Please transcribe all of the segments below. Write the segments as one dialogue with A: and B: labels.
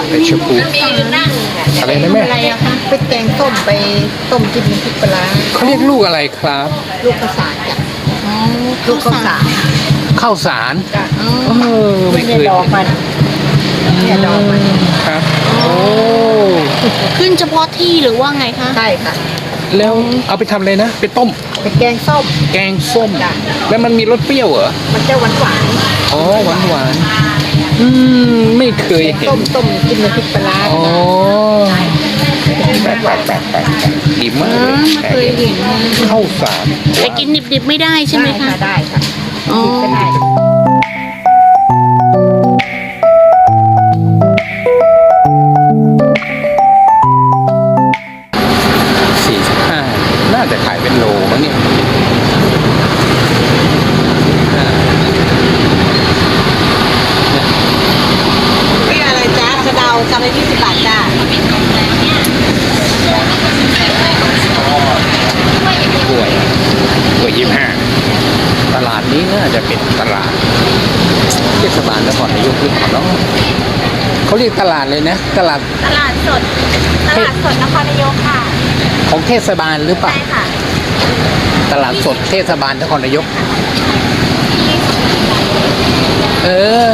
A: ไอ้ชมพูอะไรนะแม่
B: อะไรอะคะไปแกงส้มไปต้มจิ้มน้ำพริกปลาร้า
A: เขาเรียกลูกอะไรครับ
B: ลูกข้าวสารจ้ะ
C: อ๋อ
B: ลูกข้าวสาร
A: ข้าวสาร
B: จ้ะ
A: ไม่เคย
B: ดอกมันเนี่ยดอกมัน
A: ครับโอ้
C: ขึ้นเฉพาะที่หรือว่าไงคะ
B: ใช่ค่ะ
A: แล้วเอาไปทำอะไรนะไปต้ม
B: ไปแกงส้ม
A: แกงส้ม
B: จ้ะ
A: แล้วมันมีรสเปรี้ยวเหรอ
B: มันจะหวานหวาน
A: อ๋อหวานหวานไม่เคยเห็น
B: ต้มจิ้มน้ำพริกปลาร้า
A: อ๋อแปลกดีมากเลย
C: ไม่เคยเห็น
A: ข้าวสาร
C: แต่กินดิบๆไม่ได้ใช่ไหมคะ
B: ได้ค่ะ
C: อ๋อ
B: ก็ได้
A: 45น่าจะขายเป็นโลมั้งเนี่ย
B: พี่อะไรจ้าสะเดาจำได้20 บาทจ้า
A: กล้วย25ตลาดนี้น่าจะเป็นตลาดเทศบาลนครนายกหรือเปล่าเนาะเขาเรียกตลาดเลยนะตลาด
C: ตลาดสดนครนายกค่ะ
A: ของเทศบาลหรือเปล่า
C: ใช่ค่ะ
A: ตลาดสดเทศบาลนครนายกเออ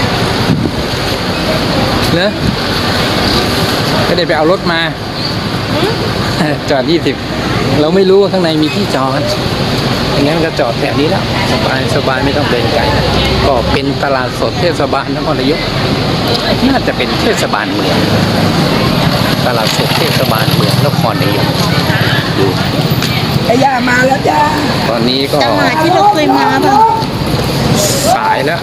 A: เนอะก็เดี๋ยวไปเอารถมา จอด20เราไม่รู้ว่าข้างในมีที่จอดอย่างงั้นก็จอดแถวนี้แล้วสบายไม่ต้องเดินไกลก็เป็นตลาดสดเทศบาลนครนายกน่าจะเป็นเทศบาลเมืองตลาดสดเทศบาลเมืองนครนายกดู
B: ไอ้ยามาแล้วจ้า
A: ตอนนี้ก็
C: ตลาดที่เราเคยมาป่ะ
A: สายแล้ว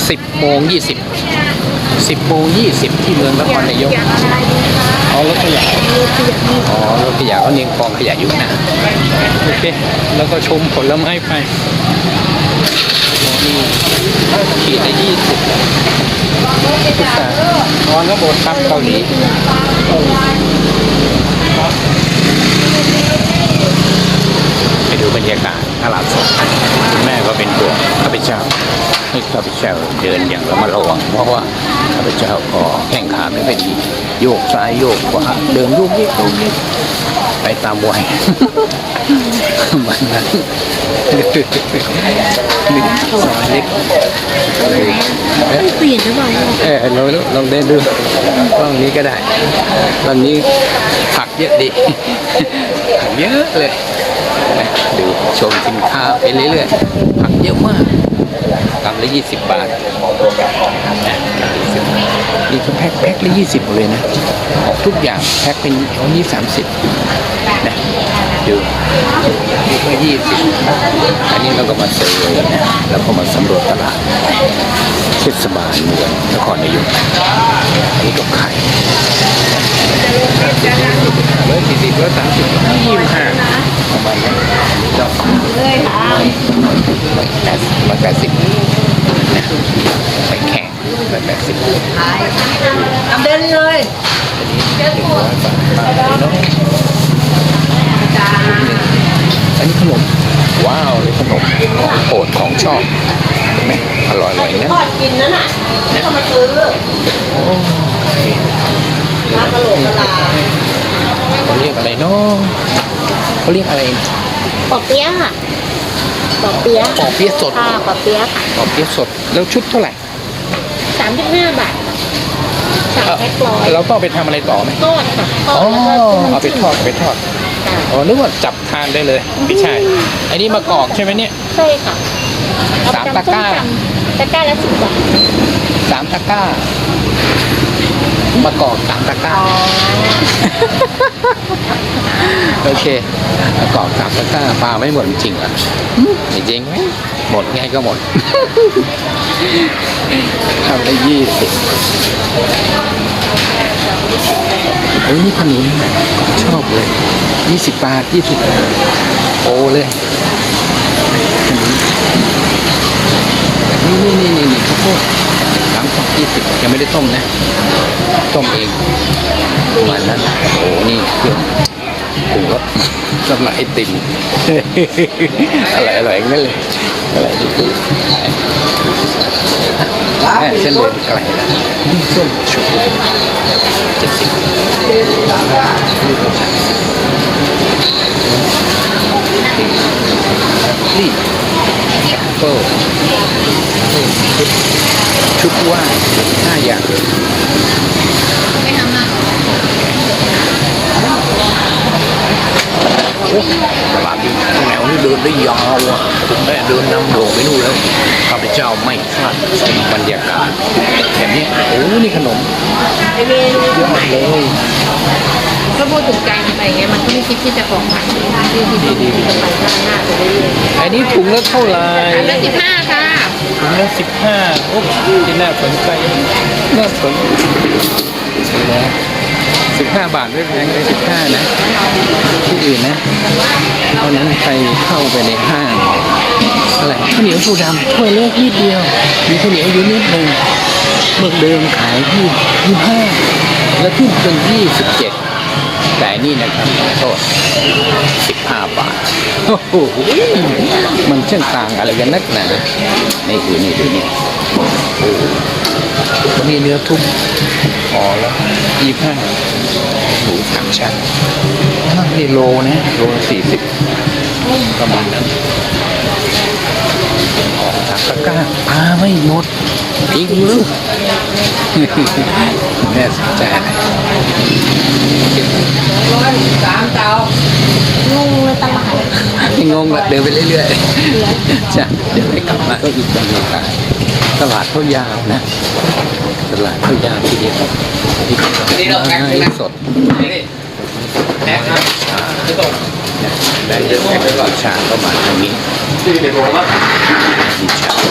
A: 10:20ที่เมืองนครนายกอ๋อรถขยะอ๋อรถขยะเขาเนียงกองขยะอยู่นะโอเคแล้วก็ชมผลไม้ไปอ๋อนี่ขีดละ20พุทธาอ๋อก็โบสถ์ครับเกาหลีไปดูบรรยากาศตลาดสดคุณแม่ก็เป็นตัวข้าพเจ้าให้ข้าพเจ้าเดินอย่างระมัดระวังเพราะว่าข้าพเจ้าก็แข้งขาไม่ค่อยดีโยกซ้ายโยกขวาเดินโยกเยกไปตามวัยมันนั้นนี่ซอยเล็ก
C: เปลี่ยนหรือเปล่า
A: เราลองเดินดูกล้องนี้ก็ได้ตอนนี้ผักเยอะดีผักเยอะเลยดูชมสินค้าไปเรื่อยๆผักเยอะมากกำละ20 บาทนี่ก็แพ็คละ20เลยนะทุกอย่างแพ็คเป็นเอานี้30นะดูนี่ก็20อันนี้เราก็มาเซอร์นะแล้วก็มาสำรวจตลาดเทศบาลเมืองนครนายกอันนี้ก็ไข่140 130 25ประมาณนี้ดอกเลยค่ะ180นะไปแข่ง180
B: ทำเดินเลย
A: อันนี้ขนมว้าวนี่ขนมของโปรดของชอบเห็นไหมอร่อยๆนะ
B: ทอดกินนั่นน่ะไม่ต้องมาซื้อร้านกะโหลกกะลา
A: เขาเรียกอะไรเนาะเขาเรียกอะไร
C: ปอเปี๊ยะค่ะปอเปี๊ยะ
A: ปอเปี๊ยะสด
C: ค่ะปอเปี๊ยะค่ะ
A: ปอเปี๊ยะสดแล้วชุดเท่าไหร่
C: 35 บาท3แพ็คร้อย
A: เราต้องไปทำอะไรต่อไหม
C: ทอดค่ะทอ
A: อ๋อ
C: ดแล้วก็
A: เอาไปทอดอ๋อนึกว่าจับทานได้เลยไม่ใช่อันนี้มะกอกใช่ไหมเนี่ย
C: ใช่ค่ะ
A: สามตะกร้า
C: ตะกร้าละ10 บาท
A: 3 ตะกร้ามะกอก3 ตะกร้าโอเคมะกอก3 ตะกร้าปลาไม่หมดจริงเหรอจริงไหมหมดไงก็หมดทำได้20โอ้ยนี่ขนมชอบเลย20 บาทโอ้เลยนี่ข้าวโพด3 กล่อง20ยังไม่ได้ต้มนะต้มเองประมาณนั้นโอ้นี่เครื่องปรุงรสสำหรับไอติมอร่อยๆนั่นเลยอะไรที่คือเส้นเดินไกลแล้วส้มฉุนี่แอปเปิลชุดว่าย5 อย่าง
C: ไม่ทำมา
A: โอ้ตลาดนี้แนวนี้เดินได้ยาวอ่ะผมแม่เดินนำโด่งไปนู่นแล้วข้าพเจ้าไม่คาดบรรยากาศแบบนี้โอ้นี่ขนมเยอะมากเลย
C: ก็พูดถึงการอะไรเงี้ยมันก็ไม่คิดที่จะของขวัญที่จะไปข้างหน้าไปเรื่อย
A: อันนี้ถุงละเท่าไหร่
C: ๆอันละ15ค่ะ
A: ถุงละ15โอ้ที่น่าสนใจน่าสนนะ15 บาทไม่แพงเลย15นะที่อื่นนะเพราะนั้นใครเข้าไปในห้างอะไรข้าวเหนียวปูดำถ้วยเล็กนิดเดียวมีข้าวเหนียวอยู่นิดหนึ่งเมื่อเดิมขายที่25แล้วขึ้นเป็น27แต่นี่นะครับโทษ15 บาทโอ้โหมันช่างต่างอะไรกันนักหนานี่คือนี่ดูนี่โอ้วันนี้เนื้อทุบพอแล้ว25หมู3 ชั้นนี่โลนะโล40ประมาณนั้นออกจากตะกร้าปลาไม่หมดจริงหรือแม่สนใจอะไร
B: 103 เตาง
C: งเลยตลาด
A: งงละเดินไปเรื่อยๆจ้ะเดี๋ยวไปกลับมาก็อีกบรรยากาศตลาดเขายาวนะตลาดเขายาวทีเดียวที่ไม้สดได้เยอะแยะชาก็มาทางนี้มีชา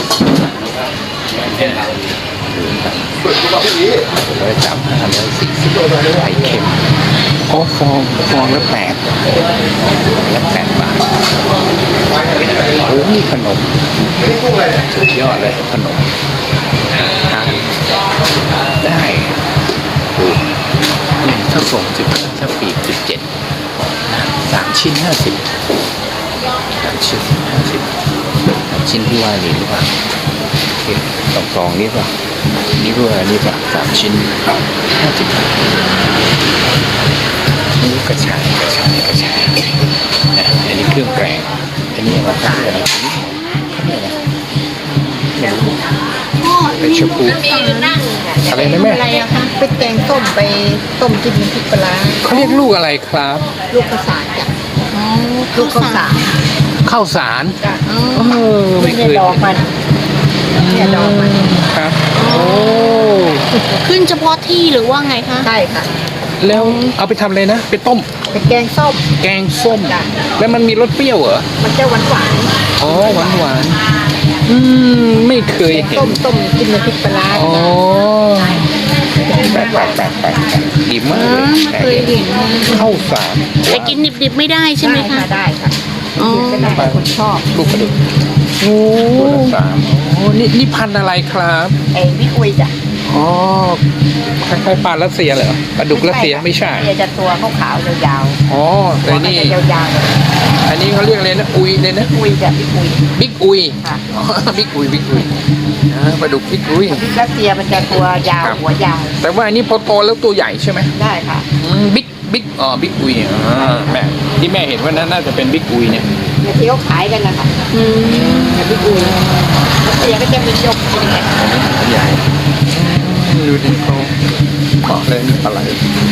A: 135 140ไข่เค็มอ๋อฟองละ8 บาทโอ้นี่ขนมสุดยอดเลยขนมทานได้ดูถ้าส่ง15ถ้าปีก17 3 ชิ้น 50 3 ชิ้น 50 ชิ้นที่ว่านี่หรือเปล่าสองนี่ป่ะนี่ด้วยนี่ป่ะ3 ชิ้น 50 บาทนี่กระชายนะอันนี้เครื่องแกงอันนี้อะไรครับอันนี้เป็นชะพูอะไรนะแม่
C: อะไรอะคะไปแกงส้มไปต้มจิ้มน้ำพริกปลาร้า
A: เขาเรียกลูกอะไรครับ
C: ลูกข้าวสารจ้ะลูกข้าวสาร
A: ข้าวสาร
C: จ้ะ
A: ไม่เคย
C: ดอกมันเนี่ยดอกมัน
A: ครับโอ้
C: ขึ้นเฉพาะที่หรือว่าไงคะใช่ค่ะ
A: แล้วเอาไปทำอะไรนะไปต้ม
C: ไปแกงส้ม
A: แกงส้ม
C: จ้ะ
A: แล้วมันมีรสเปรี้ยวเหรอ
C: มันจะหวานหวาน
A: อ๋อหวานไม่เคยเห็น
C: ต้มจิ้มน้ำพริกปลาร้า
A: อ๋อแปลกดีมากเลย
C: ไม่เคยเห็น
A: ข้าวสาร
C: แต่กินดิบๆไม่ได้ใช่ไหมคะได้ค่ะอ๋อเป็นอะไรคนชอบ
A: ลูกกระดูกโอ้ตัวละ3โอ้นี่พันธุ์อะไรครับ
C: ไอ้วิอุยจ้ะ
A: อ๋อคล้ายๆปลารัสเซียเหรอปลาดุกรัสเซียไม่ใช่
C: จะตัวขาวๆยาว
A: อ๋อ
C: ๆ
A: แต่นี่
C: จะยาว
A: อันนี้เขาเรียกอะไรนะอุยเลยนะ
C: ๆอุยจ้ะวิอุย
A: บิ๊กอุย
C: ค่ะ
A: อ๋อบิ๊กอุยปลาดุกบิ๊กอุย
C: รัสเซียมันจะตัวยาวหัวยาว
A: แต่ว่าอันนี้พอโตแล้วตัวใหญ่ใช่ไหม
C: ได้ค่ะ
A: บิ๊กบิ๊กอุยแม่ที่แม่เห็นว่านั้นน่าจะเป็นบิ๊กอุยเนี่ย
C: ที่เขาขายกันนะคะแต่วิอุยรัสเซียก็จะมียกกินกัน
A: ใหญ่ดูดิเขาเกาะเลยนี่ปลาไหล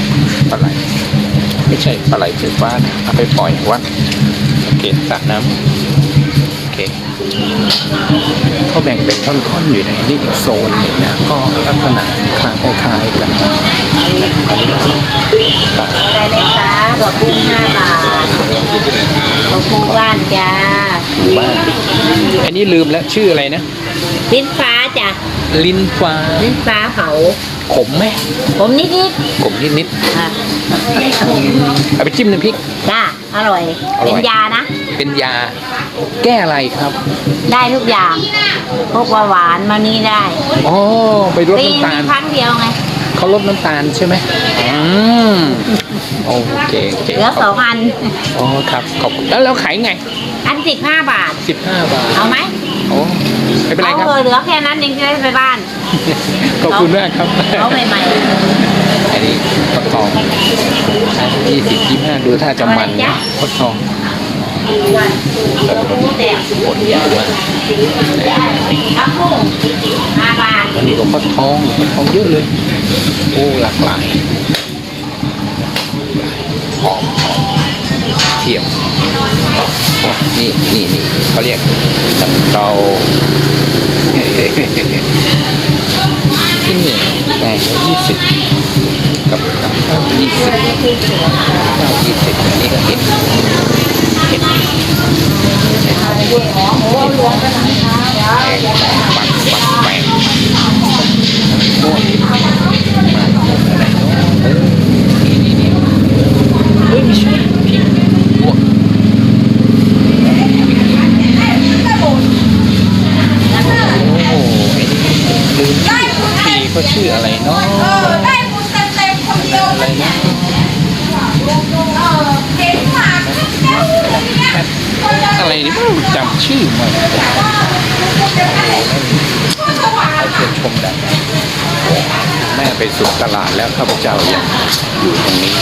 A: ไม่ใช่ปลาไหลถือบ้านเอาไปปล่อยวัดโอเคสระน้ำโอเคเขาแบ่งเป็นท่อนๆอยู่ในนี่อีกโซนหนึ่งนะก็ลักษณะคล้ายๆกันอันนี้ปลา
C: ได้เลยค่ะดอกกุ้ง5 บาทดอกกุ้งบ้านจ้า
A: บ้านอันนี้ลืมแล้วชื่ออะไรนะ
C: ลิ้นฟ้าจ้ะ
A: ลิ้นฟ้า
C: ลิ้นฟ้าเผา
A: ขมไหม
C: ผมนิด
A: ขมนิด
C: ๆค่ะ
A: ๆเอาไปจิ้มน้ำพริก
C: จ้าอร่อย
A: อร่อย
C: เป็นยานะ
A: เป็นยาแก้อะไรครับ
C: ได้ทุกอย่างพวกหวานมานี่ได้
A: อ๋อไปลด
C: ปี
A: น้ำตาล
C: ครั้งเดียวไง
A: เขาลดน้ำตาลใช่ไหมโอเค
C: เหลือ2 อัน
A: อ๋อครับขอบคุณแล้วขายไง
C: อัน15 บาท
A: 15 บาท
C: เอาไหม
A: โอ้ไม่เป็นไร
C: เอา
A: ครับ
C: เหลือแค่นั้นยังจะได้ไปบ้าน
A: ขอบคุณมากครับ
C: เอาใหม่
A: อันนี้ฟักทอง20 น่าดูถ้าจะมันนะฟักทองปวดหัวมากอันนี้ก็ฟักทองเยอะเลยโอ้หลากหลายหอมเทียมนี่เขาเรียกตับเตาที่นี่แพง20กับข้าว20อันนี้ก็เห็ดปักแปงโอ้ยมาอะไรเนาะนี่เฮ้ยไม่ใช่พริกลวกโอ้ไอ้นี่ลืมชื่อทีเขาชื่ออะไรเนาะ
B: ได้บุญเต็มคนเดียว
A: อะไรนะ อะไรนี่ไม่รู้จำชื่อมันให้เพื่อนชมได้แม่ไปสุดตลาดแล้วข้าพเจ้ายังอยู่ตรงนี้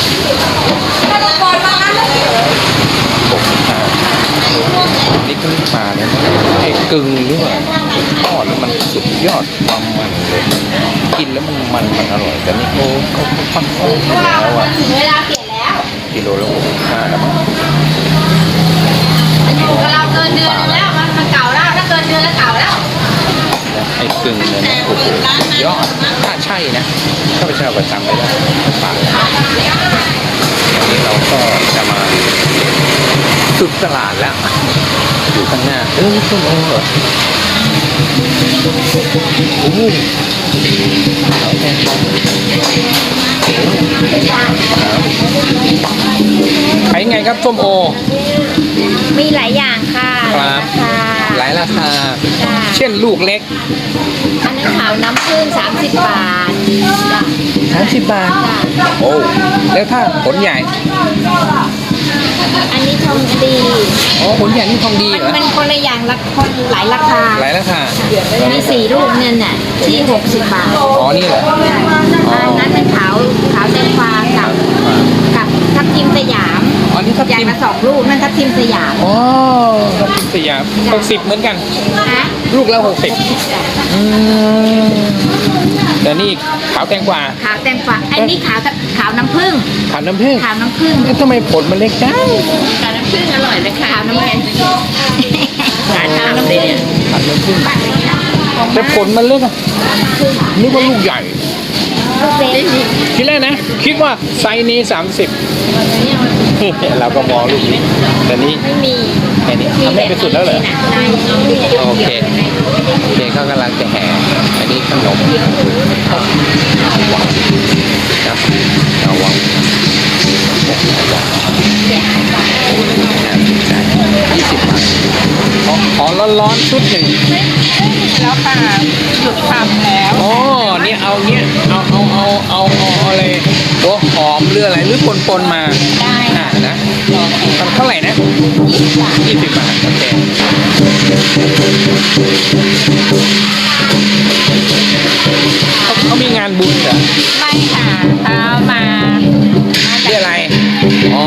A: นี่ก็ปลาเนี่ยไอ้กึ่งหรือว่าทอดแล้วมันสุดยอดความมันเลยกินแล้วมันอร่อยแต่นี่เขาค่อนข้างแล้วอ่ะ
C: ถึงเวลาเปลี่ยนแล้ว
A: กิโลละ65แล้วมั้ง
C: อยู่กับเราเกินเดือนนึงแล้วมันเก่าแล้วถ้าเกินเดือนแล้วเก่าแล้ว
A: ไอ้กึ่งเนี่ยนะโอ้โหยอดถ้าใช่นะข้าพเจ้าก็จำไม่ได้ปากอันนี้เราก็จะมาสุดตลาดแล้วอยู่ข้างหน้าส้มโอเหรอโอ้โหเอาแค่ขายไงครับส้มโอ
C: มีหลายอย่างค่ะ
A: ครับหลายราคา
C: จ้ะ
A: เช่นลูกเล็ก
C: อันนี้ขาวน้ำผึ้ง30 บาทจ้ะ
A: 30 บาท โอ้ แล้วถ้าผลใหญ่
C: อันนี้ทองดี
A: อ๋อผลใหญ่นี่ทองดีเหรอ
C: มันคนละอย่างละคนหลายราคา
A: หลายราคา
C: มี4 ลูกเนี่ยน่ะที่60 บาท
A: อ๋อ นี่เหรอ
C: อันนั้นเป็นขาวแตงกวากับทับทิมสยาม
A: อ๋อ นี่ทับ
C: อย่าง
A: ทิม
C: ละ2 ลูกนั่นทับทิมสยาม
A: อ๋อทับทิมสยาม60เหมือนกัน
C: นะ
A: ลูกละ60แต่นี่ขาวแตงกวา
C: ขาวแตงกวาอันนี้ขาวน้ำผึ้ง
A: ขาวน้ำผึ้ง
C: ขาวน้ำผึ้ง
A: แล้วทำไมผลมันเล็กจัง
C: ขาวน้ำผึ้งอร่อยเลยค่ะขาวน้ำผึ้งขาวน้ำผึ้ง
A: ขาวน้ำผึ้งแต่ผลมันเล็กอะนึกว่าลูกใหญ่
C: ลูกเล็ก
A: ทีแรกนะ คิดว่าไซส์นี้30 เราก็มองลูกนี้แต่นี้
C: ไม่มี
A: แค่นี้ทำให้ไปสุดแล้วเหรอ
C: ใช่
A: โอเคเขากำลังจะแห่อันนี้ขนมวังนะเอาวังน่าสนใจ20 บาทขอร้อนๆชุดหนึ่ง
B: แล้วค่ะหยุดทำแล้ว
A: อ๋อเนี่ยเอาเนี้ยเอาอะไรหัวหอมหรืออะไรหรือปนมา
C: ได้
A: นะทำเท่าไหร่นะ20 บาทโอเคเขามีงานบุญเหรอ
C: ไม่ค่ะเขามา
A: เรียกอะไรอ๋อ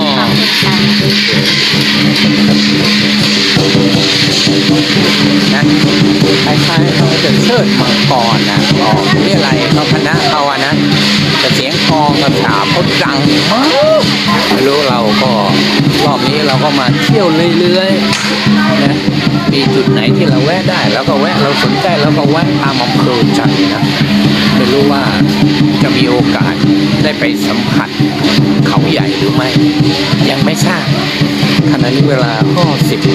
A: นะคล้ายๆเขาจะเชิดมังกรนะอ๋อเรียกอะไรเขาคณะเขาอะนะแต่เสียงกลองกับฉาบเขาดังมากไม่รู้เราก็รอบนี้เราก็มาเที่ยวเรื่อยๆนะมีจุดไหนที่เราแวะได้แล้วก็แวะเราสนใจแล้วก็แวะตามอำเภอใจนะไม่รู้ว่าจะมีโอกาสได้ไปสัมผัสเขาใหญ่หรือไม่ยังไม่ทราบขณะนี้เวลาก็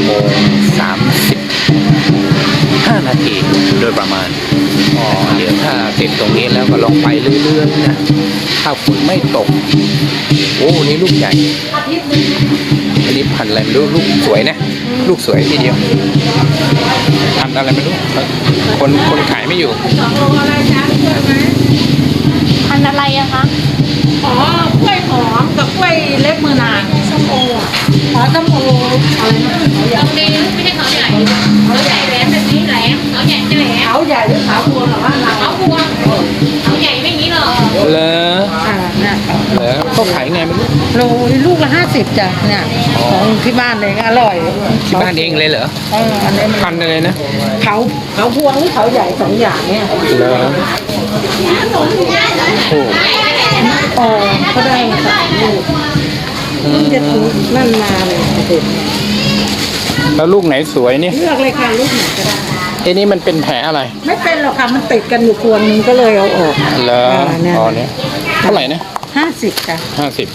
A: 10:35 นาทีโดยประมาณเดี๋ยวถ้าเสร็จตรงนี้แล้วก็ลองไปเรื่อยๆนะถ้าฝนไม่ตกโอ้นี่ลูกใหญ่อันนี้พันธุ์อะไรไม่รู้ลูกสวยนะลูกสวยทีเดียวพันธุ์อะไรไม่รู้คนขายไม่อยู่
C: พันอะไรอะคะ
B: อ๋อกล้วยหอมกับกล้วยเล็บมือนางส้มโออ๋อส้มโออะไรนะ
C: ตรงนี้ไม่ใช่เขาใหญ่เขาใหญ่แหลมแบบนี้แหลมเขาใหญ่จะแหลม
B: เขาใหญ่หรือขาวบัวหรือว่าเรา
C: เขาบัวเขาใหญ่ไม่อย่างนี้หรอก
A: เหรอ
B: น่ะ
A: เหรอเขาขายไงไม่รู้
B: โลลูกละ50จ้ะเนี่ยของที่บ้านเองอร่อย
A: ที่บ้านเองเลยเหรอ
B: อันนี้มัน
A: พันธุ์อะไรนะ
B: เขาพวงหรือเขาใหญ่สองอย่างเนี่ย
A: เหรอโอ้
B: อ๋อก็ได้3 ลูกจะถูกนั่นมาเลยเด็ด
A: แล้วลูกไหนสวยนี่
B: เลือกเลยค่ะลูกไหนก็ได้
A: ไอ้นี่มันเป็นแผลอะไร
B: ไม่เป็นหรอกค่ะมันติดกันอยู่พวงนึงก็เลยเอาออก
A: เหรอ
B: เนี่ย
A: อ๋อเนี่ยเท่าไหร่นะ
B: 50จ้ะ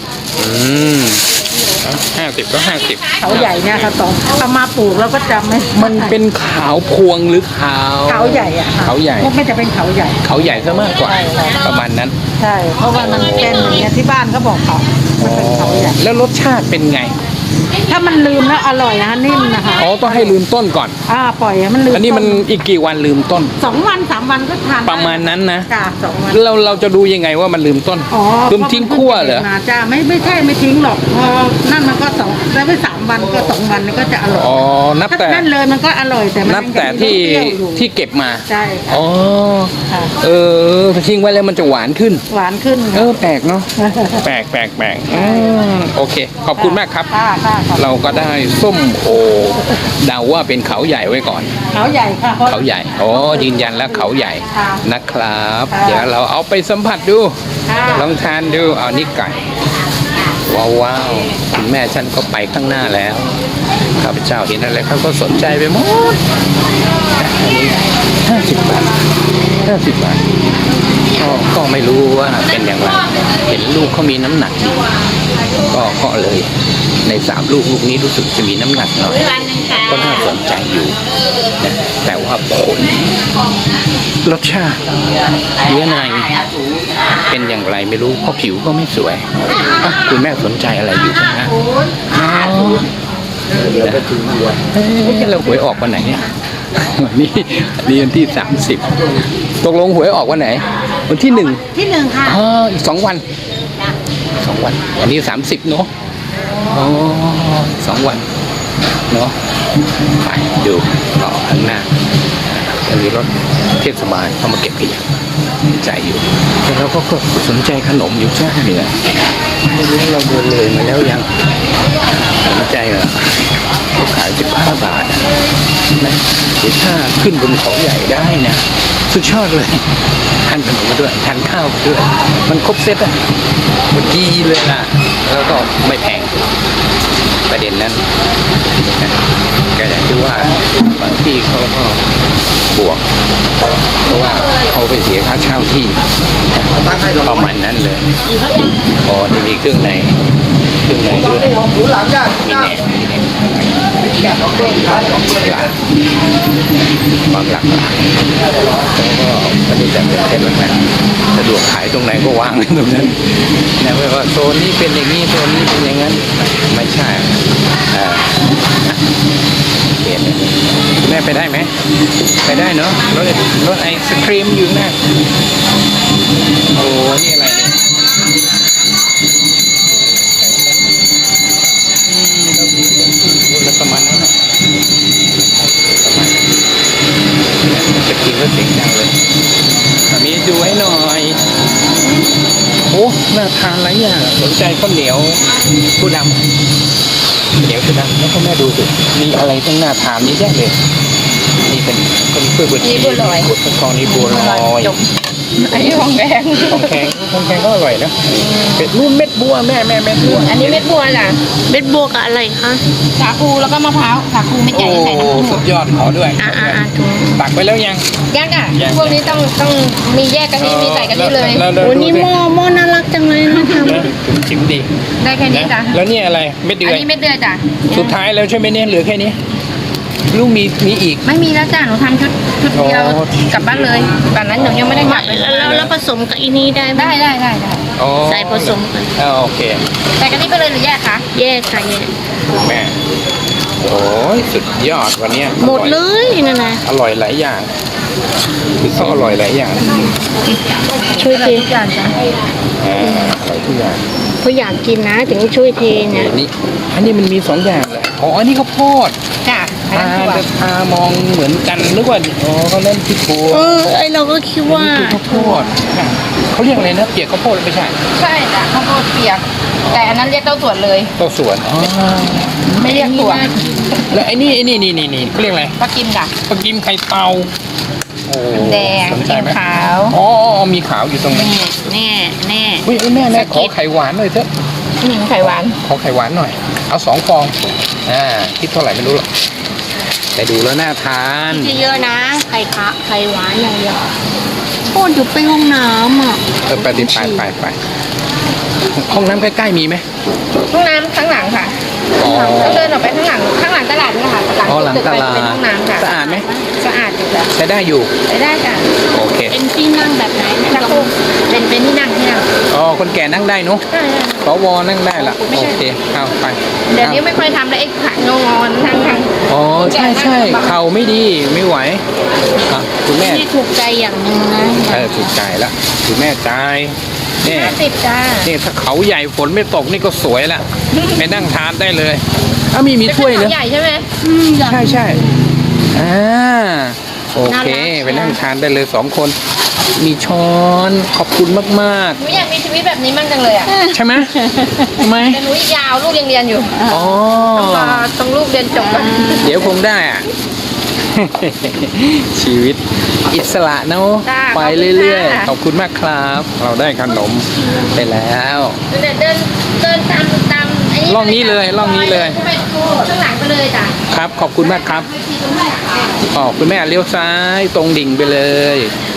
A: 5050ก็50
B: เขาใหญ่เนี่ยค่ะต้องเอามาปลูกแล้วก็จำไม่
A: มันเป็นขาวพวงหรือขาว
B: เขาใหญ่อะค่ะ
A: เขาใหญ่
B: พวกไม่จะเป็นเขาใหญ่
A: เขาใหญ่ซะมากกว่า
B: ใช่ใช่
A: ประมาณนั้น
B: ใช่ เพราะว่ามันเป็นอย่างเงี้ยที่บ้านเขาบอกเขามันเป็นเขาใหญ่
A: แล้วรสชาติเป็นไง
B: ถ้ามันลืมแล้วอร่อยนะคะนิ่มนะคะ
A: อ๋อต้องให้ลืมต้นก่อน
B: ปล่อยให้มันลืม
A: อันนี้มันอีกกี่วันลืมต้น
B: 2 วัน 3 วันก็ทานได้
A: ประมาณนั้นนะ
B: จ้ะ2 วัน
A: เราจะดูยังไงว่ามันลืมต้น
B: อ๋อ
A: ลืมทิ้งขั้วเหรอ
B: มาจ้าไม่ใช่ไม่ทิ้งหรอกพอนั่นมันก็2แล้วไป3 วันก็2 วันก็จะอร่อย
A: อ๋อนับ
B: ถ้า
A: แต่
B: นั่นเลยมันก็อร่อยแต่มัน
A: นับแต่ที่
B: ยังมีรสเปรี้ยวอยู่
A: ที่เก็บมา
B: ใช่ค่ะ
A: อ๋อ
B: ค่ะ
A: ทิ้งไว้แล้วมันจะหวานขึ้น
B: หวานขึ้น
A: แปลกเนาะ แปลกโอเค ขอบคุณมากครับ
B: ค่ะค่ะ
A: เราก็ได้ส้มโอเดาว่าเป็นเขาใหญ่ไว้ก่อน
B: เขาใหญ่ค่ะเพราะ
A: เขาใหญ่อ๋อยืนยันแล้วเขาใหญ่
B: ค่ะ
A: นะครับ
B: ค่ะ
A: เดี๋ยวเราเอาไปสัมผัสดู
B: ค่ะ
A: ลองทานดูเอานี่ไก่ ว้าวคุณแม่ฉันก็ไปข้างหน้าแล้วข้าพเจ้าเห็นอะไรเขาก็สนใจไปหมดอันนี้50 บาท50 บาทก็ไม่รู้ว่าเป็นอย่างไรเห็นลูกเขามีน้ำหนักดีก็เลยใน3 ลูกนี้รู้สึกจะมีน้ำหนักหน่อยก็น่าสนใจอยู่นะแต่ว่าผลรสชาติเนื้อในเป็นอย่างไรไม่รู้เพราะผิวก็ไม่สวยอ่ะคุณแม่สนใจอะไรอยู่นะอ๋อเดี๋ยวไปถึงเราหวยออกวันไหนเนี่ยวันนี้วันที่30ตกลงหวยออกวันไหนวันที่1
B: ที่1ค่ะ
A: อีก2 วัน2 วันวันนี้30เนาะอ๋อ2 วันเนาะไปดูต่อข้างหน้าจะมีรถเทศบาลเข้ามาเก็บขยะใจอยู่แต่เราก็สนใจขนมอยู่ใช่ไหมเนี่ยไม่รู้เราเดินเลยมาแล้วยังสนใจเหรอเขาขาย15 บาทนะเดี๋ยวถ้าขึ้นบนเขาใหญ่ได้นะสุดยอดเลยทานขนมมาด้วยทานข้าวมาด้วยมันครบเซตอะมันดีเลยนะแล้วก็ไม่แพงประเด็นนั้นนะก็อย่างที่ว่าบางที่เขาก็บวกเพราะว่าเขาไปเสียค่าเช่าที่ประมาณนั้นเลยอ๋อจะมีเครื่องในด้วยมีแหนบางหลักแล้วก็ไม่ได้จัดเป็นเส้นแบบนั้นสะดวกขายตรงไหนก็วางตรงนั้นนะไม่ว่าโซนนี้เป็นอย่างนี้โซนนี้เป็นอย่างนั้นไม่ใช่เปลี่ยนแม่ไปได้ไหมไปได้เนาะรถไอศครีมอยู่หน้าโอ้นี่อะไรเนี่ยแล้วประมาณนั้นนะประมาณนั้นจะกินก็เสียงดังเลยมีดูให้หน่อยโอ้น่าทานหลายอย่างสนใจข้าวเหนียวผู้ดำเหนียวผู้ดำแล้วก็แม่ดูสิมีอะไรตั้งน่าทานเยอะแยะเลยนี่เป็นกล้วยบดชีบดทองนี่บัวลอย
C: อันนี้ของแดง
A: ของแข็งก็อร่อยนะเป็ดนู่นเม็ดบัวแม่เม็ดบัว
C: อันนี้เม็ดบัวจ้ะ
D: เม็ดบัวกับอะไรคะ
C: สาคูแล้วก็มะพร้าวสาคูเม็ดใหญ่ใส่น้ำผึ้ง
A: สุดยอดขอด้วย
D: ถุง
A: ตักไปแล้วยัง
C: ยังอ่ะพวกนี้ต้องมีแยกกะทิมีใส่กะทิเลย
D: วันนี้หม้อน่ารักจังเลยนะคะ
A: ชิมดี
C: ได้แค่นี้
A: นะ
C: จ้ะ
A: แล้วนี่อะไรเม็ดเดื
C: อัน
A: อย
C: นี้เม็ดเดือยจ้ะ
A: สุดท้ายแล้วใช่ไหมเนี่ยเหลือแค่นี้ลูกมีอีก
C: ไม่มีแล้วจ้ะหนูทำชุดเดียว
A: อ๋อ
C: กลับบ้านเลยตอนนั้นหนูยังไม่ได้กลับเลย
D: แล้วผสมกับอีนี้ได้ไหม
C: ได้
A: อ๋อ
D: ใส่ผสมกัน
A: โอเค
C: ใส่กะทิไปเลยหรือแยกคะ
D: แยกค่ะแยก
A: แม่โอ้ยสุดยอดวันเนี้ย
D: หมดเลยนั่นนะ
A: อร่อยหลายอย่างคือต้องอร่อยหลายอย่าง
D: ช่วยเท
C: ทุกอย่างจ้ะ
A: อร่อยทุกอย่าง
D: เขาอยากกินนะถึงช่วยเทเนี่ย
A: อันนี้มันมี2 อย่างเลยอ๋ออันนี้ข้าวโพด
C: จ้ะอันนั้นถั่ว
A: ตามองเหมือนกันนึกว่าอ๋อเขาเล่นที่ถั่ว
D: ไอเราก็คิดว่า
A: นี่คือข้าวโพดเขาเรียกอะไรนะเปียกข้าวโพดไม่ใช่
C: ใช่จ้ะข้าวโพดเปียก แต่อันนั้นเรียกเต้าส่วนเลย
A: เต้าส่วนอ๋อ
C: ไม่เรียกถั่ว
A: แล้วไอ้นี่เขาเรียกอะไร
C: ปลากิมจ้ะ
A: ปลากิมไข่เตาโอ้
C: แดง
A: สนใจไหม
C: ขาว
A: อ๋อมีขาวอยู่ตรงนี้
D: แน่
A: เฮ้ยแม่ขอไข่หวานหน่อยเถอะ
C: หนิงไข่หวาน
A: ขอไข่หวานหน่อย เอา2 ฟองคิดเท่าไหร่ไม่รู้หรอกแต่ดูแล้วน่าทาน
D: เยอะๆนะไข่หวานอย่างเดียวโอ้เดี๋ยวไปห้องน้ำอ่ะ
A: ไปห้องน้ำใกล้ๆมีไหม
C: ห้องน้ำข้างหลังค่ะ
A: อ๋อ
C: ต้องเดินออกไปข้างหลังตลาดนี่ค่ะหลัง
A: อ๋อหลัง
C: ตึก
A: ต
C: ไป
A: ลาด
C: เป็นห้องน้ำค่ะ
A: สะอาดไหม
C: สะอาดอยู่จ้ะ
A: ใช้ได้อยู่
C: ไปได้จ้ะ
A: โอเค
D: เป็นที่นั่งแบบไหน
C: ชักโครกเป็นที่นั่ง
A: อ๋อคนแก่นั่งได้เนอะ
C: ใช่
A: สวนั่งได้ละโอเคเอาไป
C: เดี๋ยวนี้ไม่ค่อยทำแล้วไอ้ขางอนทาง
A: อ๋อใช่เข่าไม่ดีไม่ไหวอ่ะคุณแม่
D: ที่ถูกใจอย่างหนึ่งนะ
A: ถูกใจละคุณแม่จ่ายนี่
C: 50จ้า
A: นี่ถ้าเขาใหญ่ฝนไม่ตกนี่ก็สวยละไปนั่งทานได้เลยมีถ้วยเนอะ
C: ใหญ่ใช่ไหม
A: ใช่โอเคไปนั่งทานได้เลย2 คนมีช้อนขอบคุณมาก
C: หนูอยากมีชีวิตแบบนี้มั่งจังเลยอ่ะ
A: ๆ ใช่ไหมทำไม
C: แต่หนูอีกยาวลูกยังเรียนอยู่
A: อ๋อ
C: ต้องรอตรงลูกเรียนจบก่อน
A: เดี๋ยวคงได้อ่ะ ชีวิตอิสระเนาะไปเรื่อยๆขอบคุณมากครับ เราได้ขนมไปแล้ว
C: เดินตามไอ้
A: ร่องนี้เลยร่องนี้เลย
C: ไปข้างหลังไปเลยจ้ะ
A: ครับขอบคุณมากครับอ๋อคุณแม่เลี้ยวซ้ายตรงดิ่งไปเลย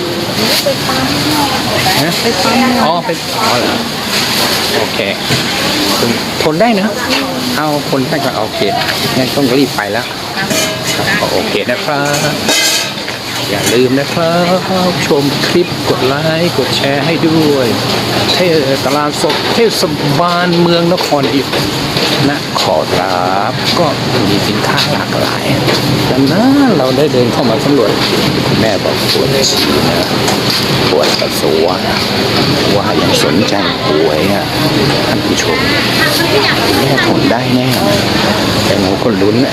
A: ไปปั๊มอ๋อเหรอโอเคทนได้เนอะเอาคนได้ก็โอเคงั้นต้องรีบไปแล้วครับโอเคนะครับ อย่าลืมนะครับชมคลิปกดไลค์กดแชร์ให้ด้วยตลาดสดเทศบาลเมืองนครอิฐนะขอรับก็มีสินค้าหลากหลายดังนั้นเราได้เดินเข้ามาสำรวจแม่บอกปวดฉี่นะปวดปัสสาวะว่ายังสนใจป่วยอ่ะท่านผู้ชมแม่ทนได้แน่แต่หนูคนลุ้นอ่ะ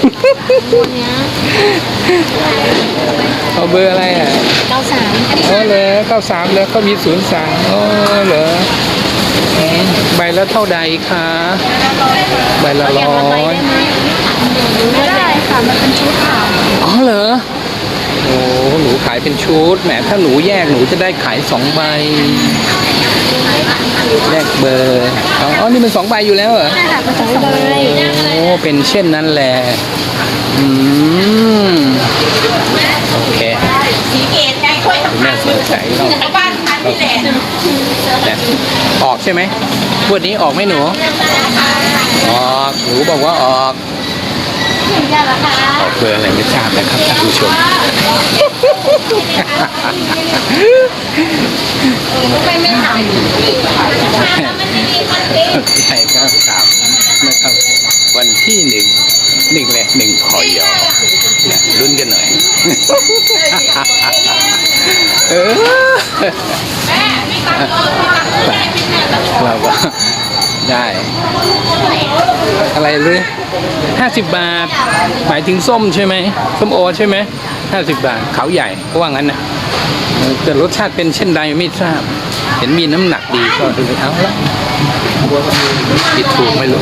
A: เอาเบอร์อะไรอ่ะ
D: 93
A: อ๋อเหรอ93แล้วก็มี03อ๋อเหรอใบละเท่าใดคะใบละ100
D: ไม่ได้ค่ะมันเป็นชุดค่ะ
A: อ๋อเหรอโอ้หนูขายเป็นชุดแหมถ้าหนูแยกหนูจะได้ขาย2 ใบแลกเบอร์อ๋อนี่มัน2 ใบอยู่แล้วเหรอ
D: ใช่ค่ะเป็น2 ใบ
A: โอ้เป็นเช่นนั้นแหละโอเค
C: สีเกตไงค่อย
A: คุณแม่สนใจเรา
C: บ้านพันนี่แหละ
A: ออกใช่ไหมวันนี้ออกไหมหนู ออกหนูบอกว่าออกออกเบอร์อะไรไม่ทราบนะครับท่านผู้ชม
C: ไม่ทำมันไม่มีคอนเทนต์
A: ใช่ครับครับนะครับวันที่1 1พอยเนี่ยลุ้นกันหน่อย เออเราก็ได้อะไรเลย50 บาท หมายถึงส้มใช่ไหมส้มโอใช่ไหม50 บาทเขาใหญ่เพราะว่างั้นนะแต่รสชาติเป็นเช่นใดไม่ทราบ เห็นมีน้ำหนักดีก็เลยเอาละผิดถูกไม่รู้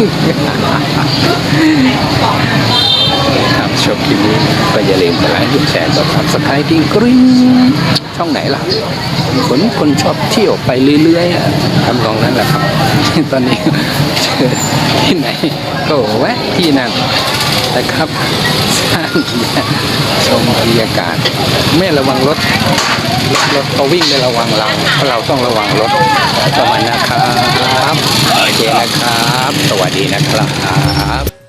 A: ครับชอบคลิปนี้ก็อย่าลืมกดไลค์กดแชร์กด Subscribe ที่กริ๊งช่องไหนล่ะคนชอบเที่ยวไปเรื่อยๆทำนองนั้นแหละครับ ตอนนี้เจอที่ไหนก็แวะที่นั่นนะครับสร้างชมบรรยากาศไม่ระวังรถเขาวิ่งไม่ระวังเราเพราะเราต้องระวังรถประมาณนะครับโอเคนะครับสวัสดีนะครับ